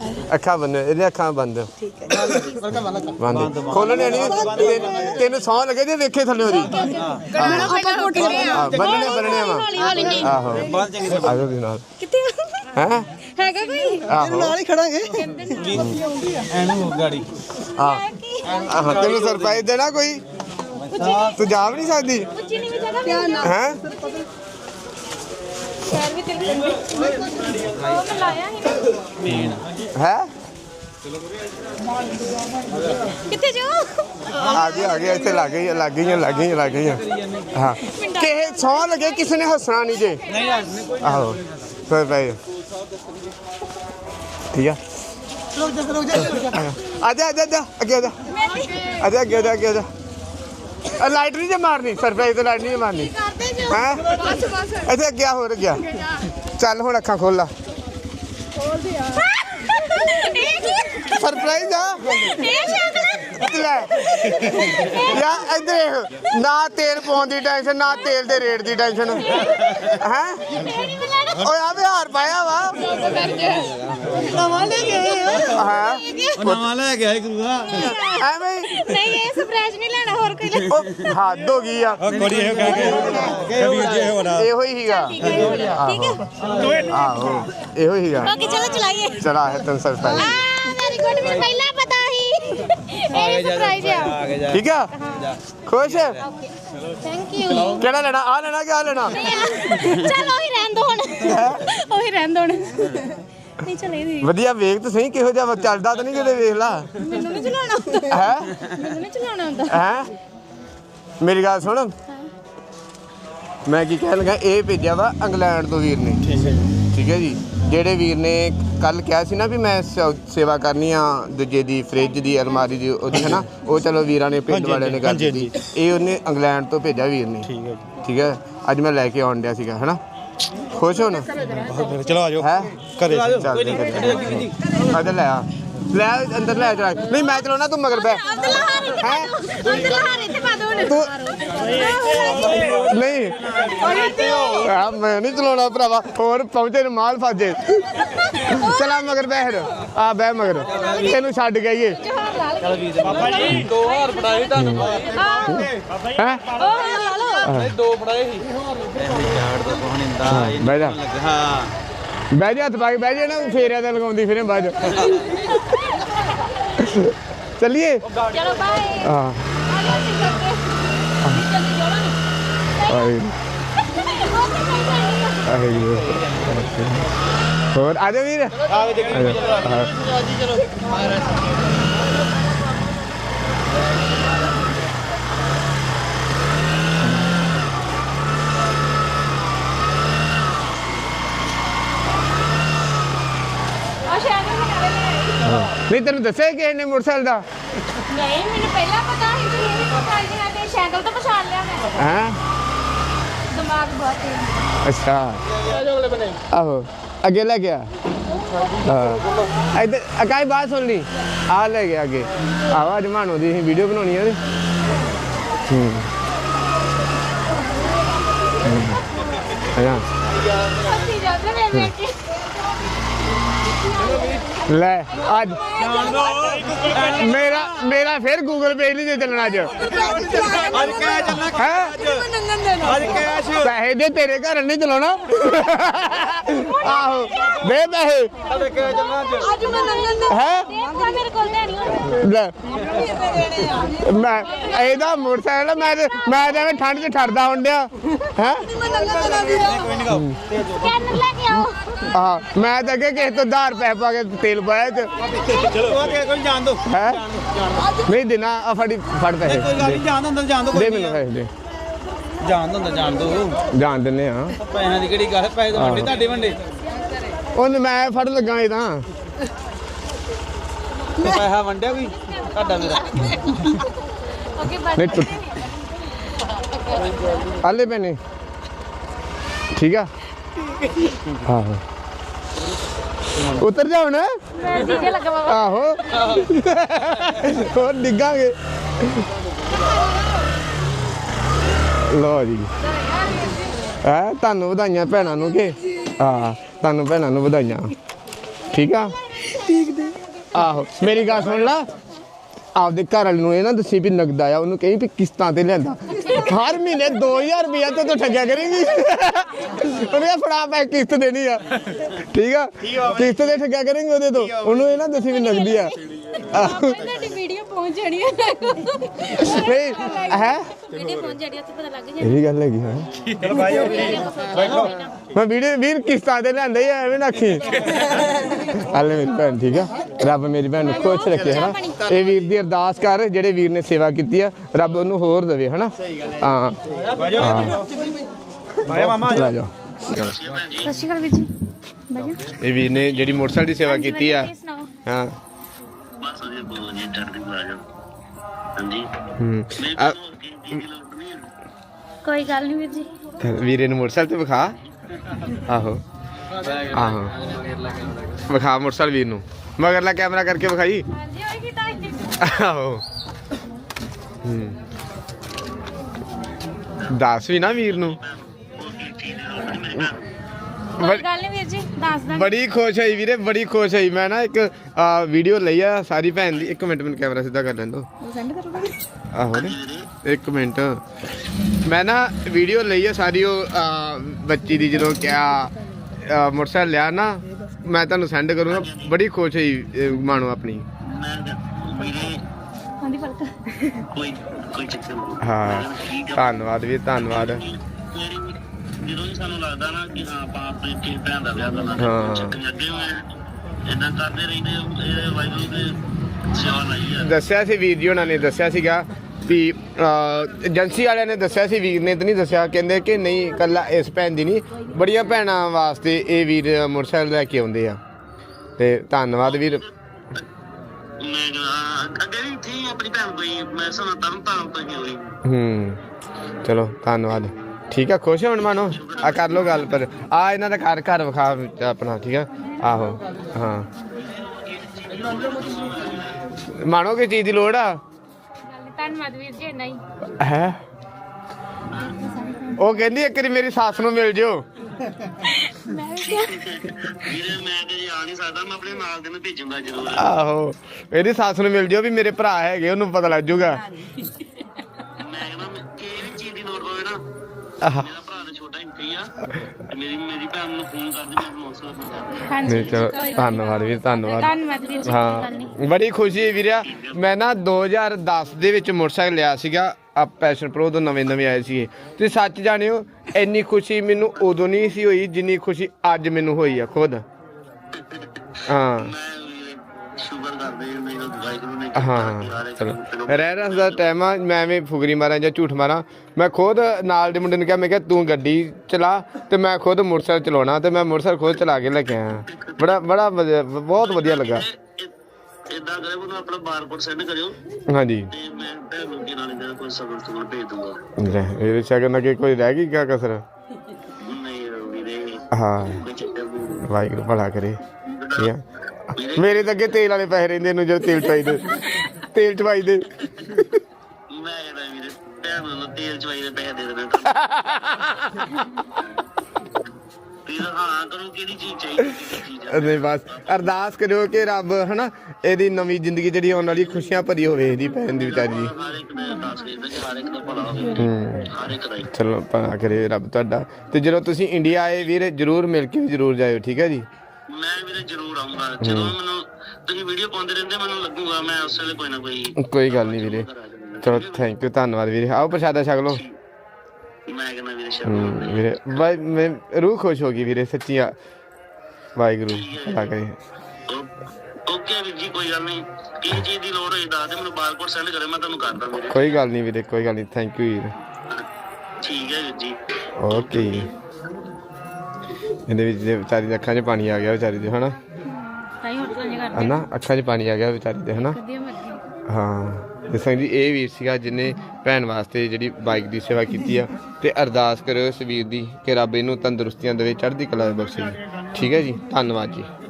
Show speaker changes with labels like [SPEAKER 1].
[SPEAKER 1] ਅੱਖਾਂ ਬੰਦ ਇਹਦੇ ਅੱਖਾਂ ਬੰਦ
[SPEAKER 2] ਠੀਕ ਹੈ
[SPEAKER 1] ਬੰਦ ਖੋਲਣੇ ਨਹੀਂ ਤੈਨੂੰ ਸੌਂ ਲੱਗੇ ਜੇ ਵੇਖੇ ਥੱਲੇ ਉਹਦੀ ਬੰਨਣੇ ਬੰਨਣੇ ਵਾ ਆਹੋ ਆਜੋ ਦੀ ਨਾਲ
[SPEAKER 3] ਕਿੱਥੇ
[SPEAKER 1] ਹੈ
[SPEAKER 3] ਹੈਗਾ ਕੋਈ
[SPEAKER 1] ਆਹੋ
[SPEAKER 2] ਨਾਲ ਹੀ ਖੜਾਂਗੇ
[SPEAKER 4] ਐਨੂੰ ਗਾੜੀ
[SPEAKER 1] ਆਹੋ ਤੈਨੂੰ ਸਰਪ੍ਰਾਈਜ਼ ਦੇਣਾ ਕੋਈ ਤੂੰ ਜਾ ਵੀ ਨਹੀਂ ਸਕਦੀ
[SPEAKER 3] ਉੱਚੀ ਨਹੀਂ ਵੀ ਜਗ੍ਹਾ
[SPEAKER 1] ਹੈ
[SPEAKER 3] ਸ਼ਹਿਰ ਵੀ ਤਿਲ ਉਹ ਮੈਂ ਲਾਇਆ ਸੀ
[SPEAKER 1] ਹੈ
[SPEAKER 3] ਕਿੱਥੇ ਜੋ
[SPEAKER 1] ਆ ਗਈ ਇੱਥੇ ਲੱਗ ਗਈ ਹਾਂ ਕਿਸੇ ਸੌਂ ਲੱਗੇ ਕਿਸੇ ਨੇ ਹੱਸਣਾ ਨਹੀਂ ਜੇ ਆਹੋ ਫਿਰ ਭਾਈ ਠੀਕ ਆ ਆਜਾ ਅੱਗੇ ਲਾਈਟ ਨਹੀਂ ਜੇ ਮਾਰਨੀ ਸਰਪ੍ਰਾਈਜ਼ ਤੇ ਲਾਈਟ ਨਹੀਂ ਮਾਰਨੀ ਹੈ ਇੱਥੇ ਅੱਗੇ ਹੋਰ ਅੱਗੇ ਚੱਲ ਹੁਣ ਅੱਖਾਂ ਖੋਲ ਲਾ ਸਰਪ੍ਰਾਈਜ਼ ਆ ਲੈ ਯਾ ਇੱਧਰ ਨਾ ਤੇਲ ਪਾਉਣ ਦੀ ਟੈਨਸ਼ਨ ਨਾ ਤੇਲ ਦੇ ਰੇਟ ਦੀ ਟੈਨਸ਼ਨ ਹੈ ਓਏ ਆ ਵਿਹਾਰ ਪਾਇਆ ਵਾ
[SPEAKER 2] ਨਵਾਂ ਲੈ ਗਏ
[SPEAKER 1] ਹਾਂ
[SPEAKER 4] ਨਵਾਂ ਲੈ ਕੇ ਆਏ ਗੁਰੂਆ
[SPEAKER 1] ਐਵੇਂ
[SPEAKER 3] ਨਹੀਂ ਇਹ ਸਰਪ੍ਰਾਈਜ਼ ਨਹੀਂ ਲੈਣਾ ਹੋਰ ਕੋਈ
[SPEAKER 1] ਉਹ ਹੱਦ ਹੋ ਗਈ ਆ
[SPEAKER 4] ਕੋੜੀ ਇਹੋ ਕਹਿ ਕੇ ਵੀਰ ਜੀ ਇਹੋ ਨਾ
[SPEAKER 1] ਇਹੋ ਹੀ ਹੀਗਾ
[SPEAKER 3] ਠੀਕ ਹੈ
[SPEAKER 1] ਆਹੋ ਇਹੋ ਹੀ ਹੀਗਾ
[SPEAKER 3] ਬਾਕੀ ਚਲੋ ਚਲਾਈਏ
[SPEAKER 1] ਚਲਾ ਹੈ 300 ਰੁਪਏ
[SPEAKER 3] ਵੈਰੀ ਗੁੱਡ ਮੈਨੂੰ ਪਹਿਲਾਂ ਪਤਾ ਸੀ ਇਹ ਸਰਪ੍ਰਾਈਜ਼ ਆ
[SPEAKER 1] ਠੀਕ ਆ ਖੁਸ਼
[SPEAKER 3] ਥੈਂਕ ਯੂ
[SPEAKER 1] ਕਿਹੜਾ ਲੈਣਾ ਆ ਲੈਣਾ ਕਿ ਆ ਲੈਣਾ
[SPEAKER 3] ਚਲ ਉਹੀ ਰਹਿਣ ਦੋ ਹੁਣ ਉਹੀ ਰਹਿਣ ਦੋ ਨਹੀਂ ਚਲੇ ਦੀ
[SPEAKER 1] ਵਧੀਆ ਵੇਖ ਤਾਂ ਸਹੀ ਕਿਹੋ ਜਿਹਾ ਚੱਲਦਾ ਤਾਂ ਨਹੀਂ ਕਿਤੇ ਵੇਖ ਲਾ
[SPEAKER 3] ਮੈਨੂੰ ਨਹੀਂ ਚਲਾਉਣਾ ਆਉਂਦਾ
[SPEAKER 1] ਹੈ
[SPEAKER 3] ਮੈਨੂੰ ਨਹੀਂ ਚਲਾਉਣਾ ਆਉਂਦਾ
[SPEAKER 1] ਹੈ ਮੇਰੀ ਗੱਲ ਸੁਣ ਮੈਂ ਕੀ ਕਹਿਣ ਲੱਗਾ ਇਹ ਭੇਜਿਆ ਵਾ ਇੰਗਲੈਂਡ ਤੋਂ ਵੀਰ ਨੇ ਠੀਕ ਹੈ ਜੀ ਜਿਹੜੇ ਵੀਰ ਨੇ ਕੱਲ ਕਿਹਾ ਸੀ ਨਾ ਵੀ ਮੈਂ ਸੇਵਾ ਕਰਨੀ ਆ ਦੂਜੇ ਦੀ ਫ੍ਰਿਜ ਦੀ ਅਲਮਾਰੀ ਦੀ ਉਹਦੀ ਹੈ ਨਾ ਉਹ ਚਲੋ ਵੀਰਾਂ ਨੇ ਪਿੰਡ ਵਾਲਿਆਂ ਨੇ ਕਰ ਦਿੱਤੀ ਇਹ ਉਹਨੇ ਇੰਗਲੈਂਡ ਤੋਂ ਭੇਜਿਆ ਵੀਰ ਨੇ ਠੀਕ ਹੈ ਅੱਜ ਮੈਂ ਲੈ ਕੇ ਆਉਣ ਡਿਆ ਸੀਗਾ ਹੈ ਨਾ ਖੁਸ਼ ਹੋ ਨਾ
[SPEAKER 4] ਚਲੋ ਆਜੋ
[SPEAKER 1] ਹੈ
[SPEAKER 4] ਘਰੇ
[SPEAKER 1] ਚੱਲ ਅੱਜ ਲੈ ਆ ਲੈ ਅੰਦਰ ਲੈ ਜਾ ਨਹੀਂ ਮੈਂ ਚਲਾਉਣਾ ਤੂੰ ਮਗਰ ਬੈ
[SPEAKER 3] ਅਬਦੁੱਲਾ ਹਾਰੇ ਤੇ ਪਾ ਦੋ
[SPEAKER 1] ਤੂੰ ਨਹੀਂ ਆ ਮੈਂ ਨਹੀਂ ਚਲਾਉਣਾ ਭਰਾਵਾ ਹੋਰ ਪਹੁੰਚੇ ਨੂੰ ਮਾਲ ਫਾਜੇ ਚਲਾ ਮਗਰ ਬਹਿ ਆ ਬਹਿ ਮਗਰ ਇਹਨੂੰ ਛੱਡ ਗਈਏ
[SPEAKER 4] ਬਾਬਾ ਜੀ 2000 ਫੜਾਏ ਤੁਹਾਨੂੰ
[SPEAKER 1] ਹੈ
[SPEAKER 3] ਉਹ ਲਾ ਲਓ
[SPEAKER 4] ਦੋ ਫੜਾਏ ਸੀ
[SPEAKER 1] ਬਹਿ ਜਾ
[SPEAKER 4] ਹਾਂ
[SPEAKER 1] ਬਹਿ ਜਾ ਹੱਥ ਪਾ ਕੇ ਬਹਿ ਜਾ ਨਾ ਫੇਰਿਆ ਤੇ ਲਗਾਉਂਦੀ ਫਿਰੇ ਬਾਅਦ ਚੱਲੀਏ
[SPEAKER 3] ਚਲੋ ਬਾਏ
[SPEAKER 1] ਹਾਂ ਹੋਰ ਆ ਜਾ ਵੀਰ
[SPEAKER 4] ਆਵੇ ਦੇਖੀ ਚਲੋ
[SPEAKER 1] ਨਹੀਂ ਤੈਨੂੰ ਦੱਸਿਆ ਕਿਸੇ ਨੇ ਮੋਟਰਸਾਈਕਲ ਦਾ
[SPEAKER 3] ਨਹੀਂ ਮੈਨੂੰ ਪਹਿਲਾਂ ਪਤਾ ਸੀ ਕਿ ਇਹ ਪਤਾ ਨਹੀਂ ਹੈ ਤੇ ਸਾਈਕਲ ਤੋਂ ਪਛਾਣ ਲਿਆ ਮੈਂ
[SPEAKER 1] ਹੈ
[SPEAKER 3] ਦਿਮਾਗ ਬਹੁਤ ਤੇਜ਼
[SPEAKER 1] ਅੱਛਾ ਆਹੋ ਅੱਗੇ ਲੈ ਗਿਆ ਹਾਂ ਇੱਧਰ ਅਕਾਈ ਬਾਤ ਸੁਣ ਲਈ ਆ ਲੈ ਗਿਆ ਅੱਗੇ ਆਵਾਜ਼ ਮਾਨੋ ਦੀ ਵੀਡੀਓ ਬਣਾਉਣੀ ਹੈ ਹਾਂ
[SPEAKER 3] ਅੱਛੀ ਜਾਂਦੇ ਨੇ ਵੇਖ ਕੇ
[SPEAKER 1] ਲੈ ਅੱਜ ਮੇਰਾ ਫਿਰ ਗੂਗਲ ਪੇ ਨਹੀਂ ਦੇ ਚੱਲਣਾ ਅੱਜ
[SPEAKER 4] ਅੱਜ ਕਹਿ ਚੱਲਣਾ
[SPEAKER 1] ਹੈ
[SPEAKER 4] ਅੱਜ ਕੈਸ਼
[SPEAKER 1] ਪੈਸੇ ਦੇ ਤੇਰੇ ਘਰ ਨਹੀਂ ਚਲਾਉਣਾ ਆਹੋ ਦੇ ਪੈਸੇ
[SPEAKER 4] ਅੱਜ ਕਹਿ ਚੱਲਣਾ
[SPEAKER 3] ਅੱਜ ਮੈਂ ਨੰਗਨ
[SPEAKER 1] ਹੈ
[SPEAKER 3] ਦੇਖਦਾ ਮੇਰੇ ਕੋਲ ਤਾਂ ਨਹੀਂ
[SPEAKER 1] ਲੈ ਮੈਂ ਇਹਦਾ ਮੋਟਰਸਾਈਕਲ ਮੈਂ ਤਾਂ ਐਵੇਂ ਠੰਡ 'ਚ ਠਰਦਾ ਹੁਣ ਡਿਆ ਹੈ
[SPEAKER 4] ਕੋਈ ਨਹੀਂ ਗਾਓ
[SPEAKER 3] ਸਕੈਨਰ ਲੈ ਕੇ ਆਓ
[SPEAKER 1] ਹਾਂ ਮੈਂ ਤਾਂ ਅੱਗੇ ਕਿਸੇ ਤੋਂ 1000 ਰੁਪਏ ਪਾ ਕੇ ਤੇਲ ਪਾਇਆ ਤੇ
[SPEAKER 4] ਚਲੋ ਉਹ ਕਿਸੇ ਕੋਲ ਜਾਣ ਦੋ
[SPEAKER 1] ਹੈ ਨਹੀਂ ਦੇਣਾ ਆ ਫੜ ਪੈਸੇ
[SPEAKER 4] ਕੋਈ ਗੱਲ ਨਹੀਂ ਜਾਣ ਦੋ ਅੰਦਰ ਜਾਣ ਦੋ
[SPEAKER 1] ਦੇ ਮੈਨੂੰ ਪੈਸੇ ਦੇ
[SPEAKER 4] ਜਾਣ ਦੋ ਅੰਦਰ ਜਾਣ ਦੋ
[SPEAKER 1] ਜਾਣ ਦਿੰਨੇ ਆ
[SPEAKER 4] ਪੈਸਿਆਂ ਦੀ ਕਿਹੜੀ ਗੱਲ ਪੈਸੇ ਤਾਂ ਵੰਡੇ ਤੁਹਾਡੇ ਵੰਡੇ
[SPEAKER 1] ਉਹਨੇ ਮੈਂ ਫੜ ਲੱਗਾ ਇਹ ਤਾਂ
[SPEAKER 4] ਪੈਸਾ ਵੰਡਿਆ ਕੋਈ ਤੁਹਾਡਾ ਮੇਰਾ
[SPEAKER 3] ਓਕੇ ਬਾਏ
[SPEAKER 1] ਨਹੀਂ ਆਲੇ ਪੈਨੇ ਠੀਕ ਆ ਹਾਂ ਉਤਰ ਜਾ ਹੁਣ
[SPEAKER 3] ਮੈਂ ਜੀਜੇ ਲੱਗਾ ਬਾਬਾ
[SPEAKER 1] ਆਹੋ ਹੋਰ ਡਿੱਗਾਂਗੇ ਲੋ ਜੀ ਤੁਹਾਨੂੰ ਵਧਾਈਆਂ ਭੈਣਾਂ ਨੂੰ ਕਿ ਹਾਂ ਤੁਹਾਨੂੰ ਭੈਣਾਂ ਨੂੰ ਵਧਾਈਆਂ ਠੀਕ ਆ ਆਹੋ ਮੇਰੀ ਗੱਲ ਸੁਣ ਲਾ ਆਪਦੇ ਘਰ ਵਾਲੇ ਨੂੰ ਇਹ ਨਾ ਦੱਸੀ ਵੀ ਨਗਦ ਆਇਆ ਉਹਨੂੰ ਕਹੀ ਵੀ ਕਿਸ਼ਤਾਂ ਤੇ ਲੈਂਦਾ ਹਰ ਮਹੀਨੇ 2000 ਰੁਪਇਆ ਤੇ ਤੂੰ ਠੱਗਿਆ ਕਰੇਂਗੀ ਉਹਨੇ ਫੜਾ ਪੈ ਕਿਸ਼ਤ ਦੇਣੀ ਆ ਠੀਕ ਆ ਕਿਸ਼ਤ ਤੇ ਠੱਗਿਆ ਕਰੇਂਗੇ ਉਹਦੇ ਤੋਂ ਉਹਨੂੰ ਇਹ ਨਾ ਦੱਸੀ ਵੀ ਨਗਦੀ ਆ
[SPEAKER 3] ਤੁਹਾਡੀ ਵੀਡੀਓ ਪਹੁੰਚ ਜਾਣੀ ਹੈ
[SPEAKER 1] ਨਹੀਂ ਹੈ
[SPEAKER 3] ਵੀਡੀਓ ਪਹੁੰਚ ਜਾਣੀ ਉੱਥੇ ਪਤਾ ਲੱਗ ਜਾਣਾ
[SPEAKER 1] ਇਹ ਵੀ ਗੱਲ ਹੈਗੀ ਹਾਂ
[SPEAKER 4] ਚਲੋ ਭਾਈ
[SPEAKER 1] ਮੈਂ ਵੀਰ ਕਿਸ਼ਤਾਂ ਤੇ ਲੈਂਦੇ ਆ ਐਵੇਂ ਨਾ ਆਖੀ ਹਾਲੇ ਮੇਰੀ ਭੈਣ ਠੀਕ ਆ ਰੱਬ ਮੇਰੀ ਭੈਣ ਨੂੰ ਖੁਸ਼ ਰੱਖੇ ਹਨਾ ਇਹ ਵੀਰ ਦੀ ਅਰਦਾਸ ਕਰ ਜਿਹੜੇ ਵੀਰ ਨੇ ਸੇਵਾ ਕੀਤੀ ਆ ਰੱਬ ਉਹਨੂੰ ਹੋਰ ਦੇਵੇ ਹਨਾ ਹਾਂ
[SPEAKER 4] ਭਾਈ ਮਾਮਾ
[SPEAKER 1] ਲੈ ਜਾ
[SPEAKER 3] ਸਤਿ ਸ਼੍ਰੀ ਅਕਾਲ ਵੀਰ ਜੀ ਬਾਜੀ
[SPEAKER 1] ਇਹ ਵੀਰ ਨੇ ਜਿਹੜੀ ਮੋਟਰਸਾਈਕਲ ਦੀ ਸੇਵਾ ਕੀਤੀ ਆ ਹਾਂ
[SPEAKER 5] ਬਸ ਉਹਦੇ ਕੋਲ ਜੀ ਚੜ੍ਹਦੀ ਕਲਾ ਜਾ ਹਾਂਜੀ
[SPEAKER 3] ਕੋਈ ਗੱਲ ਨਹੀਂ ਵੀਰ ਜੀ
[SPEAKER 1] ਵੀਰੇ ਨੂੰ ਮੋਟਰਸਾਈਕਲ ਤੇ ਵਿਖਾ ਆਹੋ ਆਹੋ ਵਿਖਾ ਮੋਟਰਸਾਈਕਲ ਵੀਰ ਨੂੰ ਮਗਰਲਾ ਕੈਮਰਾ ਕਰਕੇ ਵਿਖਾਈ
[SPEAKER 3] ਹਾਂਜੀ ਹੋਈ ਕੀ ਤਾਂ
[SPEAKER 1] ਆਹੋ ਦੱਸ ਵੀ ਨਾ ਵੀਰ ਨੂੰ
[SPEAKER 3] ਕੋਈ ਗੱਲ ਨਹੀਂ ਵੀਰ ਜੀ ਦੱਸ ਦਾਂਗੇ
[SPEAKER 1] ਬੜੀ ਖੁਸ਼ ਹੋਈ ਵੀਰੇ ਬੜੀ ਖੁਸ਼ ਹੋਈ ਮੈਂ ਨਾ ਇੱਕ ਵੀਡੀਓ ਲਈ ਆ ਸਾਰੀ ਭੈਣ ਦੀ ਇੱਕ ਮਿੰਟ ਮੈਨੂੰ ਕੈਮਰਾ ਸਿੱਧਾ ਕਰ ਲੈਣ ਦੋ
[SPEAKER 3] ਸੈਂਡ ਕਰੋਗੇ
[SPEAKER 1] ਆਹੋ ਨੇ ਇੱਕ ਮਿੰਟ ਮੈਂ ਨਾ ਵੀਡੀਓ ਲਈ ਆ ਸਾਰੀ ਉਹ ਬੱਚੀ ਦੀ ਜਦੋਂ ਕਿਆ ਮੋਟਰਸਾਈਕਲ ਲਿਆ ਨਾ ਮੈਂ ਤੁਹਾਨੂੰ ਸੈਂਡ ਕਰੂੰਗਾ ਬੜੀ ਖੁਸ਼ ਹੋਈ ਮਾਣੋ ਆਪਣੀ
[SPEAKER 3] ਹਾਂਜੀ ਫਲਕ
[SPEAKER 5] ਕੋਈ ਚੱਕਰ ਨਹੀਂ
[SPEAKER 1] ਹਾਂ ਧੰਨਵਾਦ ਵੀਰ ਧੰਨਵਾਦ
[SPEAKER 5] ਜਦੋਂ ਵੀ ਸਾਨੂੰ ਲੱਗਦਾ ਨਾ ਕਿ ਹਾਂ ਆਪਾਂ ਆਪਣੀ ਕਿਸੇ ਭੈਣ ਦਾ ਵਿਆਹ ਕਰਨਾ
[SPEAKER 1] ਹਾਂ।
[SPEAKER 5] ਚੱਕਰ ਅੱਗੇ ਹੋਏ ਇਦਾਂ ਕਰਦੇ ਰਹਿੰਦੇ ਇਹ ਵਾਹਿਗੁਰੂ ਦੇ ਸੇਵਾ ਲਈ ਆ
[SPEAKER 1] ਦੱਸਿਆ ਸੀ ਵੀਰ ਜੀ ਉਹਨਾਂ ਨੇ ਦੱਸਿਆ ਸੀਗਾ ਵੀ ਏਜੰਸੀ ਵਾਲਿਆਂ ਨੇ ਦੱਸਿਆ ਸੀ ਵੀਰ ਨੇ ਤਾਂ ਨਹੀਂ ਦੱਸਿਆ ਕਹਿੰਦੇ ਕਿ ਨਹੀਂ ਇਕੱਲਾ ਇਸ ਭੈਣ ਦੀ ਨਹੀਂ ਬੜੀਆਂ ਭੈਣਾਂ ਵਾਸਤੇ ਇਹ ਵੀਰ ਮੋਟਰਸਾਈਕਲ ਲੈ ਕੇ ਆਉਂਦੇ ਆ ਤੇ ਧੰਨਵਾਦ ਵੀਰ
[SPEAKER 5] ਮੈਂ ਅੱਗੇ ਵੀ ਇੱਥੇ ਹੀ ਆਪਣੀ ਭੈਣ ਕੋਈ ਮੈਂ ਸੁਣਾ ਤਰਨ ਤਾਰਨ ਤੋਂ ਹੀ ਹੋਈ
[SPEAKER 1] ਚਲੋ ਧੰਨਵਾਦ ਠੀਕ ਆ ਖੁਸ਼ ਹੋਣ ਮਾਨੋ ਆ ਕਰ ਲੋ ਗੱਲ ਪਰ ਆ ਇਹਨਾਂ ਦਾ ਘਰ ਵਿਖਾ ਆਪਣਾ ਠੀਕ ਆ ਆਹੋ ਹਾਂ ਮਾਨੋ ਕੀ ਚੀਜ਼ ਦੀ ਲੋੜ ਆ
[SPEAKER 3] ਧੰਨਵਾਦ ਵੀਰ ਜੀ ਨਹੀਂ
[SPEAKER 1] ਹੈ ਉਹ ਕਹਿੰਦੀ ਇੱਕ ਵਾਰੀ ਮੇਰੀ ਸੱਸ ਨੂੰ ਮਿਲ ਜਿਓ
[SPEAKER 3] ਮੈਂ ਵੀ ਕਿਹਾ
[SPEAKER 5] ਵੀਰੇ ਮੈਂ ਤੇ ਆ ਨਹੀਂ ਸਕਦਾ ਮੈਂ ਆਪਣੇ ਨਾਲ ਦੇ ਨੂੰ ਭੇਜੂੰਗਾ ਜ਼ਰੂਰ
[SPEAKER 1] ਆਹੋ ਇਹਦੀ ਸੱਸ ਨੂੰ ਮਿਲ ਜਿਓ ਵੀ ਮੇਰੇ ਭਰਾ ਹੈਗੇ ਉਹਨੂੰ ਪਤਾ ਲੱਗ ਜਾਊਗਾ
[SPEAKER 5] ਮੈਂ ਕਹਿੰਦਾ ਕਿਸੇ ਵੀ ਚੀਜ਼ ਦੀ ਲੋੜ ਹੋਵੇ ਨਾ
[SPEAKER 1] ਆਹ
[SPEAKER 5] ਮੇਰਾ ਭਰਾ ਤਾਂ ਛੋਟਾ ਹੀ ਆ ਤੇ ਮੇਰੀ ਭੈਣ ਨੂੰ ਫੋਨ ਕਰ ਦੇ ਮੈਂ ਮੌਸਮ ਪਹੁੰਚਾ
[SPEAKER 3] ਹਾਂਜੀ
[SPEAKER 1] ਨਹੀਂ ਚਲੋ ਧੰਨਵਾਦ ਵੀਰ ਧੰਨਵਾਦ
[SPEAKER 3] ਧੰਨਵਾਦ ਵੀਰ ਜੀ ਕੋਈ ਗੱਲ ਨਹੀਂ
[SPEAKER 1] ਹਾਂ ਬੜੀ ਖੁਸ਼ੀ ਹੈ ਵੀਰਿਆ ਮੈਂ ਨਾ 2010 ਦੇ ਵਿੱਚ ਮੋਟਰਸਾਈਕਲ ਲਿਆ ਸੀਗਾ ਆ ਪੈਸ਼ਨ ਪ੍ਰੋ ਤੋਂ ਨਵੇਂ ਆਏ ਸੀਗੇ ਤੇ ਸੱਚ ਜਾਣਿਓ ਇੰਨੀ ਖੁਸ਼ੀ ਮੈਨੂੰ ਉਦੋਂ ਨਹੀਂ ਸੀ ਹੋਈ ਜਿੰਨੀ ਖੁਸ਼ੀ ਅੱਜ ਮੈਨੂੰ ਹੋਈ ਆ ਖੁਦ ਹਾਂ
[SPEAKER 5] ਸ਼ੁਗਰ ਕਰਦੇ ਮੈਨੂੰ ਵਾਹਿਗੁਰੂ ਨੇ
[SPEAKER 1] ਹਾਂ ਚਲੋ ਰਹਿ ਰਸ ਦਾ ਟਾਈਮ ਆ ਮੈਂ ਐਵੇਂ ਫੁਗਰੀ ਮਾਰਾਂ ਜਾਂ ਝੂਠ ਮਾਰਾਂ ਮੈਂ ਖੁਦ ਨਾਲ ਦੇ ਮੁੰਡੇ ਨੂੰ ਕਿਹਾ ਮੈਂ ਕਿਹਾ ਤੂੰ ਗੱਡੀ ਚਲਾ ਤੇ ਮੈਂ ਖੁਦ ਮੋਟਰਸਾਈਕਲ ਚਲਾਉਣਾ ਤੇ ਮੈਂ ਮੋਟਰਸਾਈਕਲ ਖੁਦ ਚਲਾ ਕੇ ਲੈ ਕੇ ਆਇਆ ਬੜਾ ਵਧੀਆ ਬਹੁਤ ਵਧੀਆ ਲੱਗਾ
[SPEAKER 5] ਇਦਾਂ ਕਰੇ ਮੈਨੂੰ ਆਪਣਾ ਬਾਰਕੋਡ ਸੈਂਡ ਕਰਿਓ
[SPEAKER 1] ਹਾਂਜੀ
[SPEAKER 5] ਤੇ ਮੈਂ ਭੈਣ ਨੂੰ ਨਾਲ ਇਹਦਾ ਕੋਈ ਸਬਰ ਸੁਣ ਭੇਜ ਦੂੰਗਾ
[SPEAKER 1] ਲੈ ਇਹਦੇ ਸ਼ਗਨ ਅੱਗੇ ਕੋਈ ਰਹਿ ਗਈ ਕਿਆ ਕਸਰ
[SPEAKER 5] ਨਹੀਂ ਵੀਰੇ
[SPEAKER 1] ਹਾਂ
[SPEAKER 5] ਕੋਈ ਚੱਕਰ ਨਹੀਂ
[SPEAKER 1] ਵਾਹਿਗੁਰੂ ਭਲਾ ਕਰੇ ਠੀਕ ਆ ਮੇਰੇ ਤਾਂ ਅੱਗੇ ਤੇਲ ਵਾਲੇ ਪੈਸੇ ਰਹਿੰਦੇ ਨੂੰ ਜਦੋਂ ਤੇਲ ਚਵਾਈ ਦੇ
[SPEAKER 5] ਮੈਂ ਇਹਦਾ ਵੀਰੇ ਭੈਣ ਨੂੰ ਤੇਲ ਚਵਾਈ ਦੇ ਪੈਸੇ ਦੇ ਦੇਣਾ ਵੀਰ ਹਾਂ ਕਰੋ ਕਿਹੜੀ ਚੀਜ਼ ਚਾਹੀਦੀ ਕਿਹੜੀ ਚੀਜ਼ ਆ
[SPEAKER 1] ਨਹੀਂ ਬਸ ਅਰਦਾਸ ਕਰਿਓ ਕਿ ਰੱਬ ਹਨਾ ਇਹਦੀ ਨਵੀਂ ਜ਼ਿੰਦਗੀ ਜਿਹੜੀ ਆਉਣ ਵਾਲੀ ਖੁਸ਼ੀਆਂ ਭਰੀ ਹੋਵੇ ਇਹਦੀ ਭੈਣ ਦੀ ਵਿਚਾਰੀ ਦੀ
[SPEAKER 5] ਹਰ ਇੱਕ ਨੇ ਅਰਦਾਸ ਕੀਤੀ ਕਿ ਹਰ ਇੱਕ ਦਾ ਭਲਾ ਹੋਵੇ ਹਰ ਇੱਕ ਦਾ ਹੀ।
[SPEAKER 1] ਚਲੋ ਭਲਾ ਕਰੇ ਰੱਬ ਤੁਹਾਡਾ ਤੇ ਜਦੋਂ ਤੁਸੀਂ ਇੰਡੀਆ ਆਏ ਵੀਰ ਜਰੂਰ ਮਿਲ ਕੇ ਵੀ ਜਰੂਰ ਜਾਇਓ ਠੀਕ ਹੈ ਜੀ
[SPEAKER 5] ਮੈਂ ਵੀਰੇ ਜ਼ਰੂਰ ਆਉਂਗਾ ਜਦੋਂ ਮੈਨੂੰ ਤੁਸੀਂ ਵੀਡੀਓ ਪਾਉਂਦੇ ਰਹਿੰਦੇ ਮੈਨੂੰ ਲੱਗੂਗਾ ਮੈਂ ਉਸ ਵੇਲੇ ਕੋਈ ਨਾ
[SPEAKER 1] ਕੋਈ ਗੱਲ ਨਹੀਂ ਵੀਰੇ ਚਲੋ ਥੈਂਕ ਯੂ ਧੰਨਵਾਦ ਵੀਰੇ ਆਓ ਪ੍ਰਸ਼ਾਦਾ ਛਕ ਲਓ
[SPEAKER 5] ਮੈਂ ਕਹਿੰਦਾ ਵੀਰੇ ਸ਼ਰਮ
[SPEAKER 1] ਵੀਰੇ ਬਾਈ ਮੈਂ ਰੂਹ ਖੁਸ਼ ਹੋ ਗਈ ਵੀਰੇ ਸੱਚੀ ਵਾਹਿਗੁਰੂ ਭਲਾ ਕਰੇ
[SPEAKER 5] ਓਕੇ ਵੀਰ ਜੀ ਕੋਈ ਗੱਲ ਨਹੀਂ ਕੀ ਚੀਜ਼ ਦੀ ਲੋੜ ਹੋਈ ਦੱਸ ਦੇ ਮੈਨੂੰ ਬਾਰਕੋਡ ਸੈਂਡ ਕਰੇ ਮੈਂ ਤੁਹਾਨੂੰ ਕਰਦਾ ਵੀਰੇ
[SPEAKER 1] ਕੋਈ ਗੱਲ ਨਹੀਂ ਵੀਰੇ ਕੋਈ ਗੱਲ ਨਹੀਂ ਥੈਂਕ ਯੂ ਵੀਰ
[SPEAKER 5] ਠੀਕ ਹੈ ਵੀਰ ਜੀ
[SPEAKER 1] ਓਕੇ ਇਹਦੇ ਵਿੱਚ ਜੇ ਵਿਚਾਰੀ ਦੇ ਅੱਖਾਂ 'ਚ ਪਾਣੀ ਆ ਗਿਆ ਵਿਚਾਰੀ ਦੇ ਹਨਾ
[SPEAKER 3] ਤਾਈ ਹੋਟਲਾਂ ਜਗ੍ਹਾ
[SPEAKER 1] ਹਨਾ ਅੱਖਾਂ 'ਚ ਪਾਣੀ ਆ ਗਿਆ ਵਿਚਾਰੀ ਦੇ ਹਨਾ
[SPEAKER 3] ਵਧੀਆ ਮਰਜ਼ੀ
[SPEAKER 1] ਹਾਂ ਦੱਸਾਂ ਜੀ ਇਹ ਵੀਰ ਸੀਗਾ ਜਿਹਨੇ ਭੈਣ ਵਾਸਤੇ ਜਿਹੜੀ ਬਾਈਕ ਦੀ ਸੇਵਾ ਕੀਤੀ ਆ ਤੇ ਅਰਦਾਸ ਕਰਿਓ ਇਸ ਵੀਰ ਦੀ ਕਿ ਰੱਬ ਇਹਨੂੰ ਤੰਦਰੁਸਤੀਆਂ ਦੇਵੇ ਚੜ੍ਹਦੀ ਕਲਾ ਬਖਸ਼ੇ ਠੀਕ ਹੈ ਜੀ ਧੰਨਵਾਦ ਜੀ